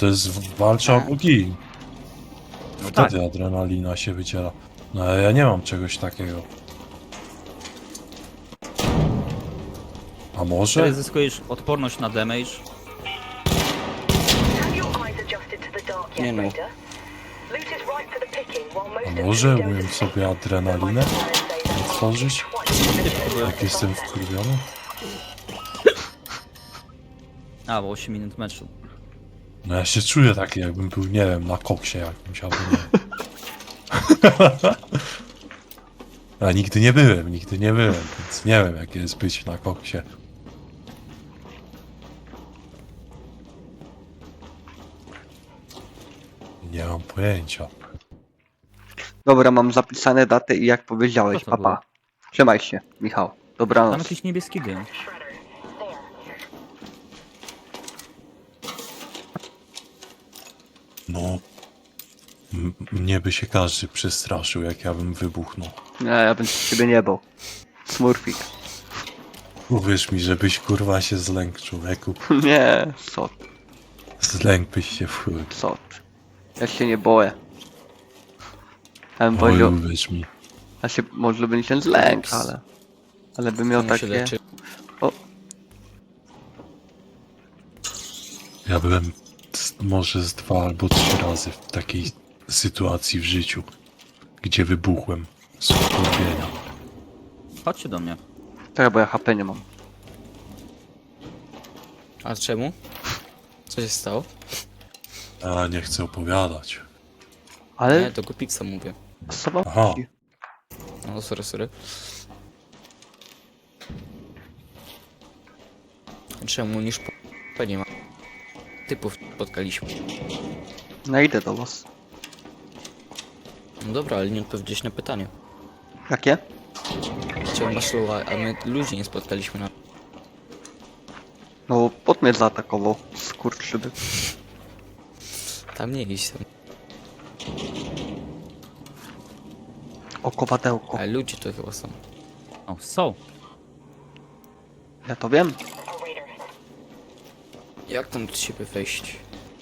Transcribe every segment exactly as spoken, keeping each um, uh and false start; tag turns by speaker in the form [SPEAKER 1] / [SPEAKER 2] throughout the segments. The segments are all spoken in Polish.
[SPEAKER 1] to jest walcza albo gin.
[SPEAKER 2] No
[SPEAKER 1] Wtedy
[SPEAKER 2] tak.
[SPEAKER 1] adrenalina się wydziela. No ale ja nie mam czegoś takiego. A może?
[SPEAKER 2] Wtedy zyskujesz odporność na damage.
[SPEAKER 3] Nie no.
[SPEAKER 1] A może umiem sobie adrenalinę otworzyć? Jak jestem wkurwiony?
[SPEAKER 2] A, bo osiem minut meczu.
[SPEAKER 1] No ja się czuję taki, jakbym był, nie wiem, na koksie jakimś albo nie. A nigdy nie byłem, nigdy nie byłem, więc nie wiem, jak jest być na koksie. Nie mam pojęcia.
[SPEAKER 3] Dobra, mam zapisane daty i jak powiedziałeś,
[SPEAKER 2] Co to
[SPEAKER 3] papa.
[SPEAKER 2] było?
[SPEAKER 3] Trzymaj się, Michał.
[SPEAKER 2] Tam
[SPEAKER 3] Dobranoc.
[SPEAKER 2] jakiś niebieski dym.
[SPEAKER 1] No, m- mnie by się każdy przestraszył, jak ja bym wybuchnął.
[SPEAKER 3] Nie, ja bym z ciebie nie bał. Smurfik.
[SPEAKER 1] Uwierz mi, żebyś kurwa się zlękł, człowieku.
[SPEAKER 3] Nie, co,
[SPEAKER 1] Zlękłbyś się w chuj.
[SPEAKER 3] co. Ja się nie boję. Ja bym
[SPEAKER 1] Oj,
[SPEAKER 3] powiedział,
[SPEAKER 1] uwierz mi.
[SPEAKER 3] ja się może bym się zlękł, ale... Ale bym miał
[SPEAKER 4] On się
[SPEAKER 3] takie...
[SPEAKER 4] leczy.
[SPEAKER 3] O,
[SPEAKER 1] Ja byłem z, może z dwa albo trzy razy w takiej sytuacji w życiu, gdzie wybuchłem z wkurwienia.
[SPEAKER 2] Chodźcie do mnie.
[SPEAKER 3] tak, bo ja H P nie mam.
[SPEAKER 4] A czemu? Co się stało?
[SPEAKER 1] Ja nie chcę opowiadać.
[SPEAKER 3] Ale...
[SPEAKER 4] Nie, to Gupixa mówię.
[SPEAKER 3] Co wam
[SPEAKER 1] Aha.
[SPEAKER 3] chodzi?
[SPEAKER 4] No, sorry, sorry. Czemu niż po... to nie ma typów spotkaliśmy.
[SPEAKER 3] No idę do was.
[SPEAKER 4] No dobra, ale nie odpowiedziałeś na pytanie.
[SPEAKER 3] Jakie?
[SPEAKER 4] Czemu masz słowa, a my ludzi nie spotkaliśmy na...
[SPEAKER 3] No, pod mnie zaatakował. Skurczyby.
[SPEAKER 4] Tam nie iść tam.
[SPEAKER 3] O, kowadełko.
[SPEAKER 4] Ale ludzie to chyba są.
[SPEAKER 2] O, są.
[SPEAKER 3] Ja to wiem.
[SPEAKER 4] Jak tam do ciebie wejść?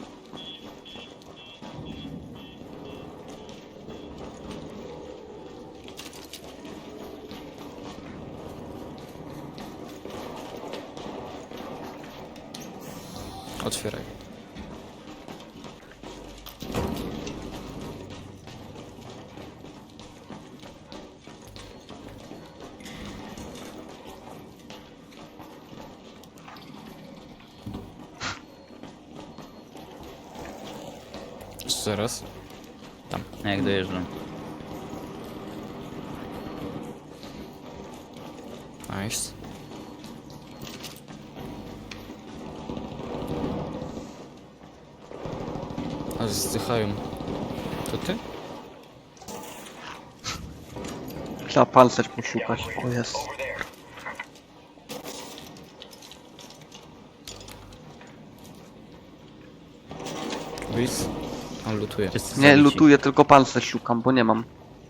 [SPEAKER 4] Otwieraj. Co zaraz? Tam.
[SPEAKER 2] Jak dojeżdżam.
[SPEAKER 4] Nice. A zdychają. To ty?
[SPEAKER 3] Trzeba pancerz poszukać. O, jest.
[SPEAKER 4] Wiz? On lutuje.
[SPEAKER 2] Wszyscy
[SPEAKER 3] Nie,
[SPEAKER 2] zabici.
[SPEAKER 3] lutuję, tylko pancerz szukam, bo nie mam.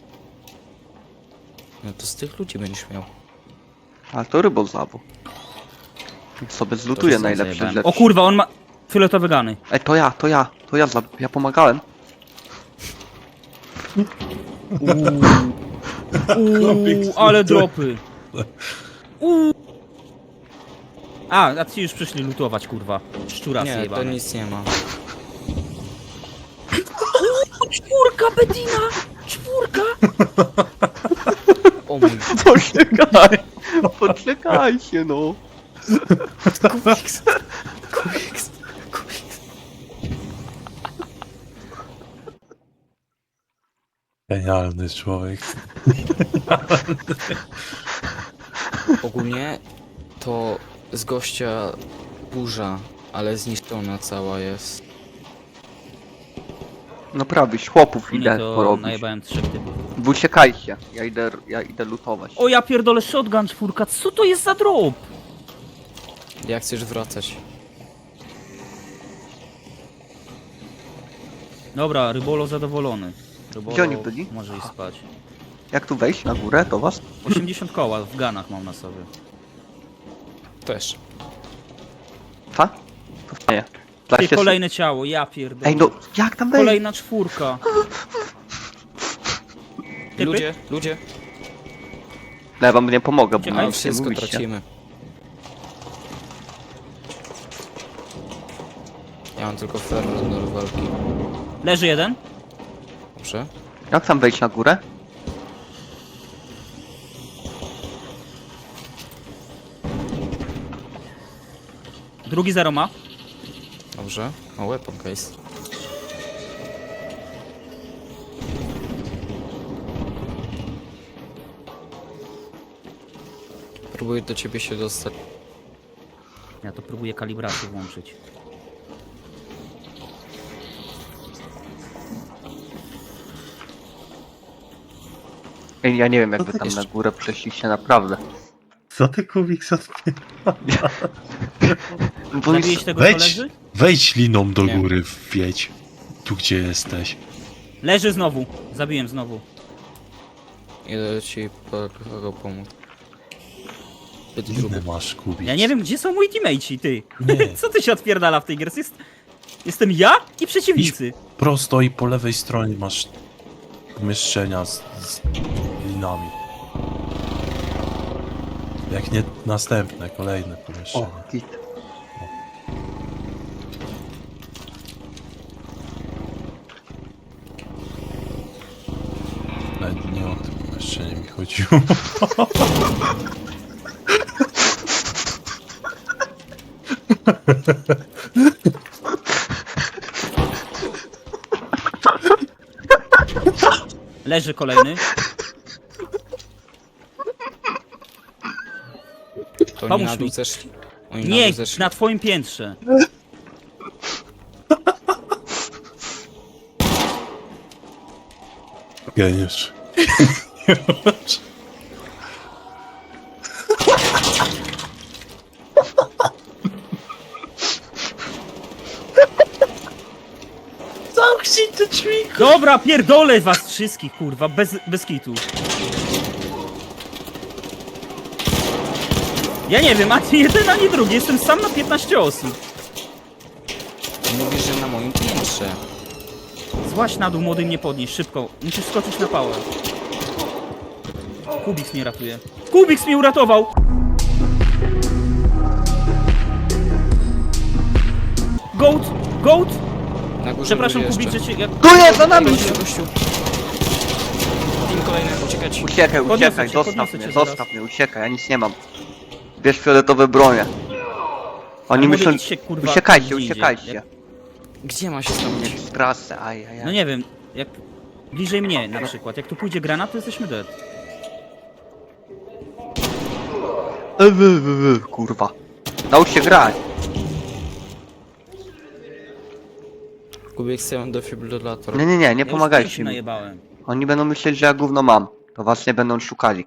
[SPEAKER 4] No to z tych ludzi będziesz miał.
[SPEAKER 3] Ale to rybol zabu. Sobie zlutuję
[SPEAKER 4] są
[SPEAKER 3] najlepsze
[SPEAKER 2] Zajebałem.
[SPEAKER 3] rzeczy.
[SPEAKER 2] O kurwa, on ma fioletowe gany.
[SPEAKER 3] Ej, to ja, to ja, to ja, za... ja pomagałem.
[SPEAKER 2] Uuu, ale dropy. Uuu. A, a ci już przyszli lutować, kurwa. Szczura
[SPEAKER 4] Nie, to
[SPEAKER 2] zjebane.
[SPEAKER 4] nic nie ma.
[SPEAKER 2] Czwórka, Bedina! Czwórka!
[SPEAKER 4] O mój...
[SPEAKER 3] Poczekaj, poczekajcie no.
[SPEAKER 4] Kubiks! Kubiks! Kubiks!
[SPEAKER 1] Genialny człowiek.
[SPEAKER 4] Ogólnie to z gościa burza, ale zniszczona cała jest.
[SPEAKER 3] No prawiś, chłopów
[SPEAKER 2] Nie,
[SPEAKER 3] idę
[SPEAKER 2] to
[SPEAKER 3] porobić.
[SPEAKER 2] najebałem trzech typów.
[SPEAKER 3] Wy uciekajcie, ja idę, ja idę lutować.
[SPEAKER 2] O ja pierdolę, shotgun czwórka, co to jest za drop?
[SPEAKER 4] Jak chcesz wracać?
[SPEAKER 2] Dobra, Rybolo zadowolony. Rybolo
[SPEAKER 3] Gdzie oni byli?
[SPEAKER 2] może iść spać.
[SPEAKER 3] Jak tu wejść na górę do was?
[SPEAKER 2] osiemdziesiąt koła w ganach mam na sobie.
[SPEAKER 4] Też.
[SPEAKER 3] Fa? To nie. Da
[SPEAKER 2] Ty,
[SPEAKER 3] się...
[SPEAKER 2] kolejne ciało, ja pierdolę.
[SPEAKER 3] Ej, no, jak tam wejść?
[SPEAKER 2] Kolejna czwórka. Typy?
[SPEAKER 4] Ludzie, ludzie.
[SPEAKER 3] No, ja wam nie pomogę, bo
[SPEAKER 2] Czekaj,
[SPEAKER 3] mam
[SPEAKER 4] Wszystko
[SPEAKER 3] mówicie.
[SPEAKER 4] tracimy. Ja mam tylko fermę do walki.
[SPEAKER 2] Leży jeden.
[SPEAKER 4] Dobrze.
[SPEAKER 3] Jak tam wejść na górę?
[SPEAKER 2] Drugi zero ma.
[SPEAKER 4] Dobrze. O, weapon case. Próbuję do ciebie się dostać.
[SPEAKER 2] Ja to próbuję kalibrację włączyć.
[SPEAKER 3] Ej, ja nie wiem, jak
[SPEAKER 1] No
[SPEAKER 3] wy
[SPEAKER 1] tak
[SPEAKER 3] tam
[SPEAKER 1] jeszcze-
[SPEAKER 3] na górę przeszliście, naprawdę.
[SPEAKER 1] Co ty, Kubiks, odpie...
[SPEAKER 3] Bo jest...
[SPEAKER 2] Zabiłeś tego,
[SPEAKER 1] Wejdź.
[SPEAKER 2] co leży?
[SPEAKER 1] Wejdź liną do
[SPEAKER 4] Nie.
[SPEAKER 1] góry, wjedź. Tu, gdzie jesteś.
[SPEAKER 2] Leży znowu. Zabiłem znowu.
[SPEAKER 4] Idę ci po kogo pomóc. Zbyt
[SPEAKER 1] Linę
[SPEAKER 4] gruby.
[SPEAKER 1] masz, Kubiks.
[SPEAKER 2] Ja nie wiem, gdzie są moi teammateci, ty.
[SPEAKER 1] Nie.
[SPEAKER 2] Co ty się odpierdala w tej grze? Jest... Jestem ja i przeciwnicy.
[SPEAKER 1] Prosto i po lewej stronie masz pomieszczenia z, z linami. Jak nie następne, kolejne pomieszczenia.
[SPEAKER 3] O, git.
[SPEAKER 1] Nawet nie o tym pomieszczenie mi chodziło.
[SPEAKER 2] Leży kolejny.
[SPEAKER 4] To oni
[SPEAKER 2] Pomóż
[SPEAKER 4] na dół
[SPEAKER 2] mi.
[SPEAKER 4] zeszli. Oni na
[SPEAKER 2] Nie,
[SPEAKER 4] dół zeszli.
[SPEAKER 2] na twoim piętrze.
[SPEAKER 1] Geniusz. Zamknij te drzwi!
[SPEAKER 2] Dobra, pierdolę was wszystkich, kurwa, bez, bez kitu. Ja nie wiem, ani jeden, ani drugi. Jestem sam na piętnaście osób.
[SPEAKER 4] Mówisz, że na moim piętrze.
[SPEAKER 2] Złaź na dół, młody, mnie podnieś, szybko. Musisz skoczyć na pałę. Kubiks mnie ratuje. Kubiks mnie uratował! Goat! Goat!
[SPEAKER 4] Na górze
[SPEAKER 2] Przepraszam,
[SPEAKER 4] ludzie
[SPEAKER 2] Kubik, że
[SPEAKER 4] jeszcze.
[SPEAKER 2] cię... Ja...
[SPEAKER 3] Tu jest, za nami!
[SPEAKER 4] Gościu, gościu. Team kolejny, uciekać.
[SPEAKER 3] Uciekaj,
[SPEAKER 2] Podniosę
[SPEAKER 3] uciekaj,
[SPEAKER 2] cię,
[SPEAKER 3] zostaw
[SPEAKER 2] podniosę
[SPEAKER 3] mnie,
[SPEAKER 2] cię zaraz.
[SPEAKER 3] zostaw mnie, uciekaj, ja nic nie mam. Bierz fioletowe bronie. Oni
[SPEAKER 2] Młody,
[SPEAKER 3] myślą...
[SPEAKER 2] idź się, kurwa,
[SPEAKER 3] Uciekajcie,
[SPEAKER 2] gdzie indziej.
[SPEAKER 3] uciekajcie.
[SPEAKER 2] Jak-
[SPEAKER 4] Gdzie ma się stanąć?
[SPEAKER 3] Nie z trasy, ajajaj.
[SPEAKER 2] No nie wiem, jak... Bliżej mnie na przykład. Jak tu pójdzie granat, to jesteśmy dead.
[SPEAKER 3] E, wy, wy, wy, kurwa. Naucz się grać.
[SPEAKER 4] Kubik chce defibrylator.
[SPEAKER 3] Nie, nie, nie, nie
[SPEAKER 2] Ja
[SPEAKER 3] pomagajcie
[SPEAKER 2] już
[SPEAKER 3] mi.
[SPEAKER 2] najebałem.
[SPEAKER 3] Oni będą myśleć, że ja gówno mam. To was nie będą szukali.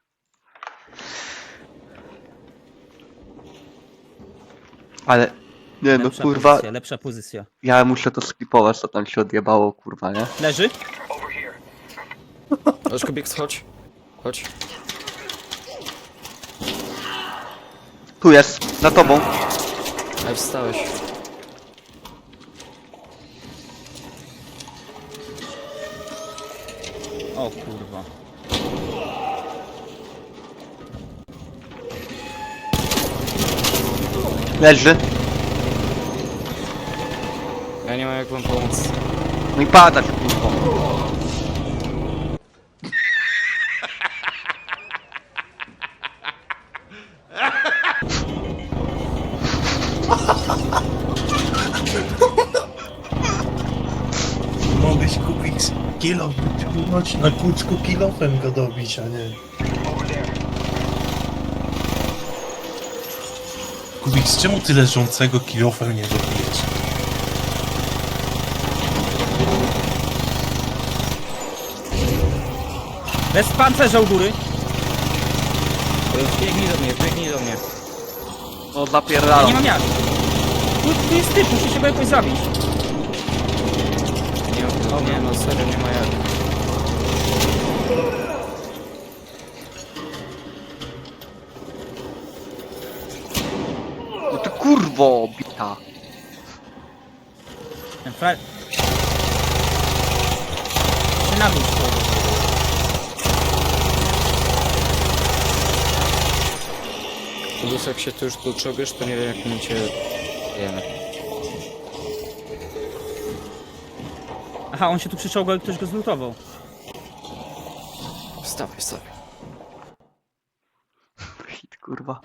[SPEAKER 3] Ale... Nie no,
[SPEAKER 2] Lepsza
[SPEAKER 3] kurwa,
[SPEAKER 2] pozycja, lepsza pozycja.
[SPEAKER 3] ja muszę to skipować, co tam się odjebało, kurwa, nie?
[SPEAKER 2] Leży?
[SPEAKER 4] Chodź, Kubik, chodź. Chodź.
[SPEAKER 3] Tu jest, za tobą.
[SPEAKER 4] Ale wstałeś.
[SPEAKER 2] O kurwa.
[SPEAKER 3] Leży.
[SPEAKER 4] Ja nie mam jak wam pomóc.
[SPEAKER 3] No i padać, kurwa.
[SPEAKER 1] Mogłeś Kubiks kilo wyciągnąć na kucku kilofem go dobić, a nie... Kubiks, czemu ty leżącego kilofem nie dobijesz?
[SPEAKER 2] Bez pancerza u góry.
[SPEAKER 4] Biegnij do mnie, biegnij do mnie.
[SPEAKER 3] No
[SPEAKER 2] Ja
[SPEAKER 3] zapierdalam.
[SPEAKER 2] nie mam jak. Tu, tu jest typ, muszę się go jakoś zabić.
[SPEAKER 4] Nie, no, nie, no serio, nie ma jak.
[SPEAKER 3] No ty kurwo, bita.
[SPEAKER 2] Ten fra... Się na dół schodzi.
[SPEAKER 4] Plus jak się tu już tu czołgiesz, to nie wiem jak my cię jemy.
[SPEAKER 2] Aha, on się tu przyczołgał i ktoś go zlutował.
[SPEAKER 4] Wstawaj, wstawaj.
[SPEAKER 3] Shit, kurwa.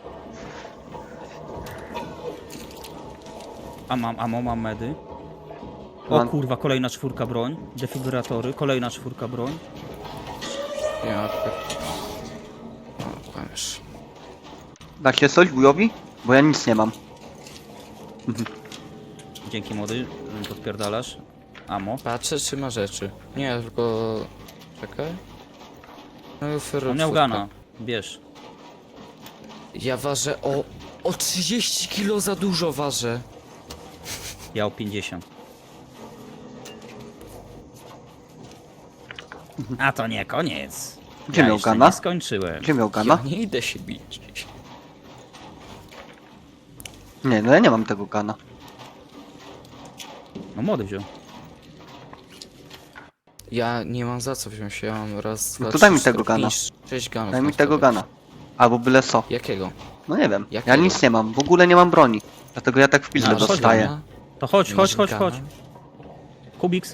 [SPEAKER 2] A mam, amo, mam medy. O
[SPEAKER 3] Mam.
[SPEAKER 2] kurwa, kolejna czwórka broń. Defibratory, kolejna czwórka broń.
[SPEAKER 4] Ja tak... O, kłamiesz.
[SPEAKER 3] Da się coś wujowi? Bo ja nic nie mam.
[SPEAKER 2] Dzięki młody, że mi podpierdalasz. Amo.
[SPEAKER 4] Patrzę czy ma rzeczy. Nie, tylko... Czekaj. No i ferro
[SPEAKER 2] On miał
[SPEAKER 4] czwórka.
[SPEAKER 2] gana. Bierz.
[SPEAKER 4] Ja ważę o... O trzydzieści kilo za dużo ważę.
[SPEAKER 2] Ja o pięćdziesiąt. A to nie koniec.
[SPEAKER 3] Gdzie
[SPEAKER 2] ja
[SPEAKER 3] miał
[SPEAKER 2] jeszcze
[SPEAKER 3] gana?
[SPEAKER 2] nie skończyłem.
[SPEAKER 3] Gdzie miał
[SPEAKER 4] Ja
[SPEAKER 3] gana?
[SPEAKER 4] nie idę się bić.
[SPEAKER 3] Nie, no ja nie mam tego gana.
[SPEAKER 2] No młody wziął.
[SPEAKER 4] Ja nie mam za co wziąć, ja mam raz, dwa,
[SPEAKER 3] No to daj
[SPEAKER 4] trzy,
[SPEAKER 3] mi tego
[SPEAKER 4] cztery,
[SPEAKER 3] gana.
[SPEAKER 4] pięć, sześć ganów.
[SPEAKER 3] Daj mi
[SPEAKER 4] mam
[SPEAKER 3] tego
[SPEAKER 4] sobie.
[SPEAKER 3] gana. Albo byle co.
[SPEAKER 4] Jakiego?
[SPEAKER 3] No nie wiem. Ja
[SPEAKER 4] Jakiego?
[SPEAKER 3] nic nie mam. W ogóle nie mam broni. Dlatego ja tak w pizdę
[SPEAKER 2] No, chodź
[SPEAKER 3] dostaję.
[SPEAKER 4] Gana?
[SPEAKER 2] To chodź,
[SPEAKER 4] Nie
[SPEAKER 2] chodź,
[SPEAKER 4] masz
[SPEAKER 2] chodź,
[SPEAKER 4] gana?
[SPEAKER 2] chodź. Kubiks.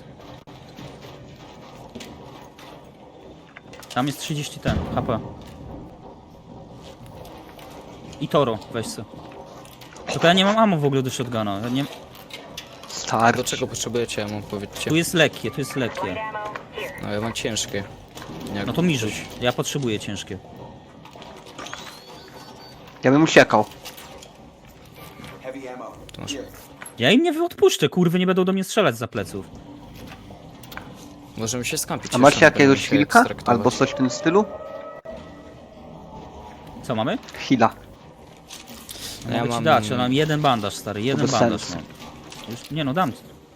[SPEAKER 2] Tam jest trzydzieści ten, H P. I Toro, weź se. Tylko ja nie mam ammo w ogóle do shotguna. Ja nie...
[SPEAKER 3] Starczy.
[SPEAKER 4] Do czego potrzebujecie, ja mam powiedzcie.
[SPEAKER 2] Tu jest lekkie, tu jest lekkie.
[SPEAKER 4] No ja mam ciężkie. Jak
[SPEAKER 2] No to mi rzuć. Ja potrzebuję ciężkie.
[SPEAKER 3] Ja bym uciekał.
[SPEAKER 4] to masz.
[SPEAKER 2] Ja im nie odpuszczę, kurwy nie będą do mnie strzelać za pleców.
[SPEAKER 4] Możemy się skampić.
[SPEAKER 3] A masz
[SPEAKER 4] jeszcze,
[SPEAKER 3] jakiegoś
[SPEAKER 4] będziemy się
[SPEAKER 3] wilka?
[SPEAKER 4] ekstraktować.
[SPEAKER 3] Albo coś w tym stylu?
[SPEAKER 2] Co mamy?
[SPEAKER 3] Hila.
[SPEAKER 2] No
[SPEAKER 4] Ja
[SPEAKER 2] mogę ci
[SPEAKER 4] mam-
[SPEAKER 2] dać, ja mam jeden bandaż stary, jeden
[SPEAKER 3] bez
[SPEAKER 2] bandaż
[SPEAKER 3] sensu.
[SPEAKER 2] mam. Już, nie no, dam.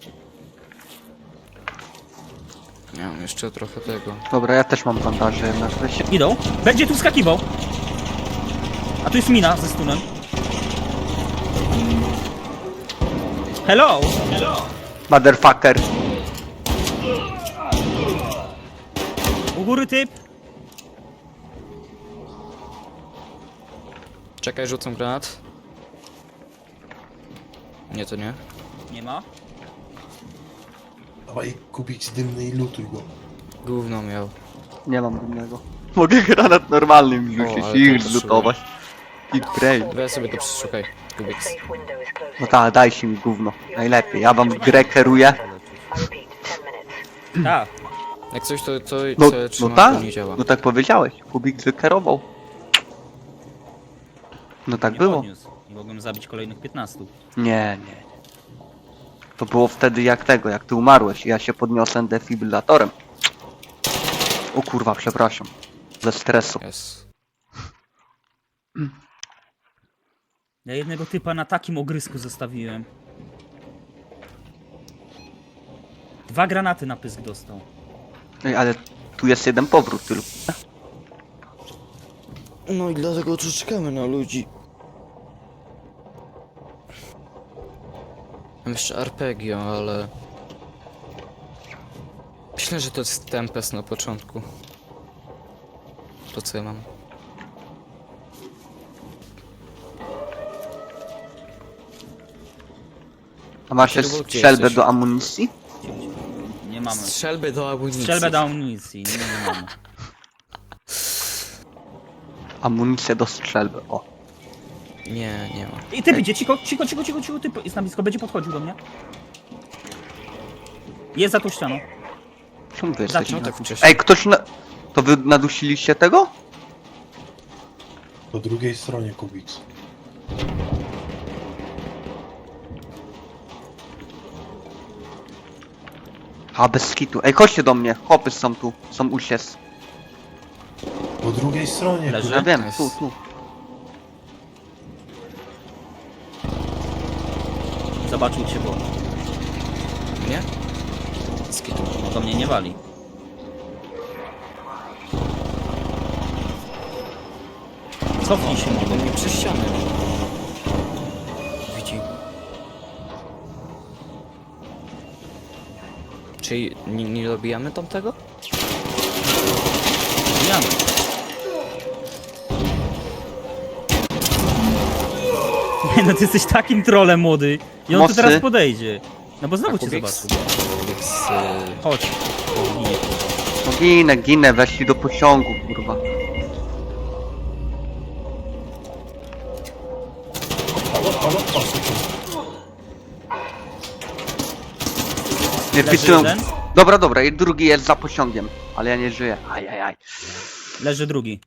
[SPEAKER 4] Ja mam jeszcze trochę tego.
[SPEAKER 3] Dobra, ja też mam bandaże jednak. Weź się.
[SPEAKER 2] Idą. Będzie tu skakiwał. A tu jest mina ze stunem. Hello!
[SPEAKER 3] Motherfucker.
[SPEAKER 2] U góry typ.
[SPEAKER 4] Czekaj, rzucam granat. Nie, to nie.
[SPEAKER 2] Nie ma.
[SPEAKER 1] Dawaj kupić dymny i lutuj go.
[SPEAKER 4] Gówno miał.
[SPEAKER 3] Nie mam innego. Mogę granat normalny mi
[SPEAKER 4] O,
[SPEAKER 3] rzucić
[SPEAKER 4] ale
[SPEAKER 3] i
[SPEAKER 4] to
[SPEAKER 3] już
[SPEAKER 4] potrzebuję.
[SPEAKER 3] zlutować. I brain.
[SPEAKER 4] Weź sobie to przeszukaj. Kubiks.
[SPEAKER 3] No tak, dajcie mi gówno. Najlepiej. Ja wam grę kieruję.
[SPEAKER 2] Tak.
[SPEAKER 4] Jak coś to, to
[SPEAKER 3] No,
[SPEAKER 4] co ja
[SPEAKER 3] no
[SPEAKER 4] trzymam,
[SPEAKER 3] tak.
[SPEAKER 4] to nie działa.
[SPEAKER 3] No tak powiedziałeś. Kubik wykierował. No tak
[SPEAKER 2] Nie
[SPEAKER 3] było.
[SPEAKER 2] podniósł. Nie mogłem zabić kolejnych piętnastu.
[SPEAKER 3] Nie, nie. To było wtedy jak tego, jak ty umarłeś i ja się podniosłem defibrylatorem. O kurwa, przepraszam. Ze stresu.
[SPEAKER 4] Jest.
[SPEAKER 2] Ja jednego typa na takim ogrysku zostawiłem. Dwa granaty na pysk dostał.
[SPEAKER 3] Ej, ale tu jest jeden powrót tylko.
[SPEAKER 4] No i dlatego tu czekamy na ludzi. Mam jeszcze arpeggio, ale... Myślę, że to jest Tempest na początku. To co ja mam?
[SPEAKER 3] A masz
[SPEAKER 4] Kierunek
[SPEAKER 3] jeszcze
[SPEAKER 4] gdzie
[SPEAKER 3] strzelbę
[SPEAKER 4] jesteś?
[SPEAKER 3] do amunicji?
[SPEAKER 2] Nie mamy.
[SPEAKER 4] Strzelby do amunicji.
[SPEAKER 2] Strzelbę do amunicji. Nie, nie mamy.
[SPEAKER 3] Amunicję do strzelby, o.
[SPEAKER 4] Nie, nie ma.
[SPEAKER 2] I typ idzie, cicho, cicho, cicho, cicho, cicho, typ jest na blisko, będzie podchodził do mnie. Jest za tą ścianą.
[SPEAKER 3] Czemu wy
[SPEAKER 2] Zacznij
[SPEAKER 3] jesteście?
[SPEAKER 4] tak
[SPEAKER 3] na-
[SPEAKER 4] wcześnie.
[SPEAKER 3] Ej, ktoś na... To wy nadusiliście tego?
[SPEAKER 1] Po drugiej stronie Kubiks.
[SPEAKER 3] A, bez skitu. Ej, chodźcie do mnie. Chłopy są tu. Są usies.
[SPEAKER 1] Po drugiej stronie
[SPEAKER 2] Leży.
[SPEAKER 3] Ja wiem,
[SPEAKER 4] Nice.
[SPEAKER 3] tu, tu.
[SPEAKER 2] Zobaczył cię, bo
[SPEAKER 4] Nie? Skitu.
[SPEAKER 2] no to mnie nie wali. Cofnij się
[SPEAKER 4] Do
[SPEAKER 2] mogą.
[SPEAKER 4] mnie przez ścianę. Widzi. Czyli nie, nie dobijamy tamtego?
[SPEAKER 2] Bijamy. Nie no, ty jesteś takim trolem, młody. I on tu
[SPEAKER 3] Mocny.
[SPEAKER 2] teraz podejdzie. No bo znowu
[SPEAKER 4] A
[SPEAKER 2] cię
[SPEAKER 4] Kubiks,
[SPEAKER 2] zobaczył.
[SPEAKER 4] Kubiks, y,
[SPEAKER 2] Chodź. Ginie.
[SPEAKER 3] No ginę, ginę, weszli do pociągu, kurwa. Nie
[SPEAKER 2] Leży
[SPEAKER 3] wpisują.
[SPEAKER 2] jeden.
[SPEAKER 3] Dobra, dobra, i drugi jest za pociągiem, ale ja nie żyję. Ajajaj.
[SPEAKER 2] Leży drugi.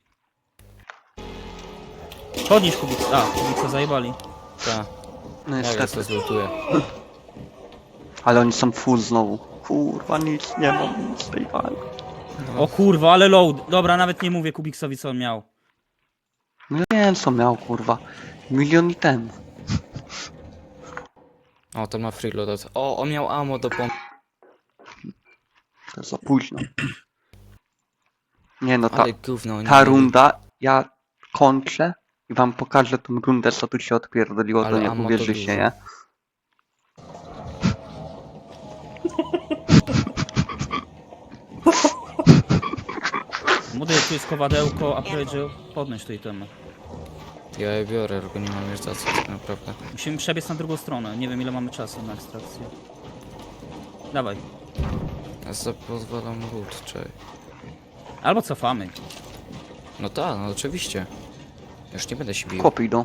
[SPEAKER 2] Podnieś Kubiksa. A, Kubiksa zajebali.
[SPEAKER 4] ta,
[SPEAKER 3] No
[SPEAKER 4] ja
[SPEAKER 3] niestety.
[SPEAKER 4] to zlutuję.
[SPEAKER 3] Ale oni są full znowu. Kurwa, nic nie mam, nic z tej walki.
[SPEAKER 2] O kurwa, ale load. Dobra, nawet nie mówię Kubiksowi co on miał.
[SPEAKER 3] No ja wiem co miał, kurwa. Milion i ten.
[SPEAKER 4] O, to ma freeload. O, on miał ammo do pomp.
[SPEAKER 3] To jest za późno. Nie no, ta,
[SPEAKER 4] Ale gówno, nie
[SPEAKER 3] ta
[SPEAKER 4] mieli.
[SPEAKER 3] runda, ja kończę i wam pokażę tą rundę, co tu się odpierdoliło,
[SPEAKER 4] Ale
[SPEAKER 3] to nie
[SPEAKER 4] ammo to
[SPEAKER 3] uwierzycie,
[SPEAKER 4] dużo.
[SPEAKER 3] nie?
[SPEAKER 2] Młody, tu jest kowadełko, a powiedział podnieś tej temy.
[SPEAKER 4] Ja je biorę, tylko nie mam już za co tak naprawdę.
[SPEAKER 2] Musimy przebiec na drugą stronę. Nie wiem ile mamy czasu na ekstrakcję. Dawaj.
[SPEAKER 4] Ja sobie pozwalam loot, czekaj.
[SPEAKER 2] Albo cofamy.
[SPEAKER 4] No tak, no oczywiście. Już nie będę się bił.
[SPEAKER 3] Kopy idą.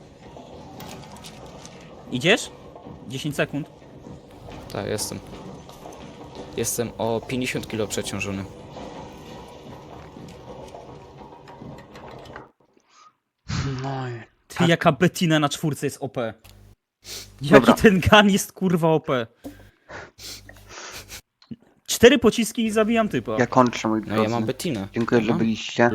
[SPEAKER 2] Idziesz? dziesięć sekund.
[SPEAKER 4] Tak, jestem. Jestem o pięćdziesiąt kilo przeciążony.
[SPEAKER 3] No i...
[SPEAKER 2] Ty, jaka Bettina na czwórce jest O P. Jaki
[SPEAKER 3] Dobra.
[SPEAKER 2] ten gun jest kurwa O P. Cztery pociski i zabijam typa.
[SPEAKER 3] Ja kończę, mój
[SPEAKER 4] No
[SPEAKER 3] drodzy.
[SPEAKER 4] ja mam Bettinę.
[SPEAKER 3] Dziękuję, że
[SPEAKER 4] Mam.
[SPEAKER 3] byliście.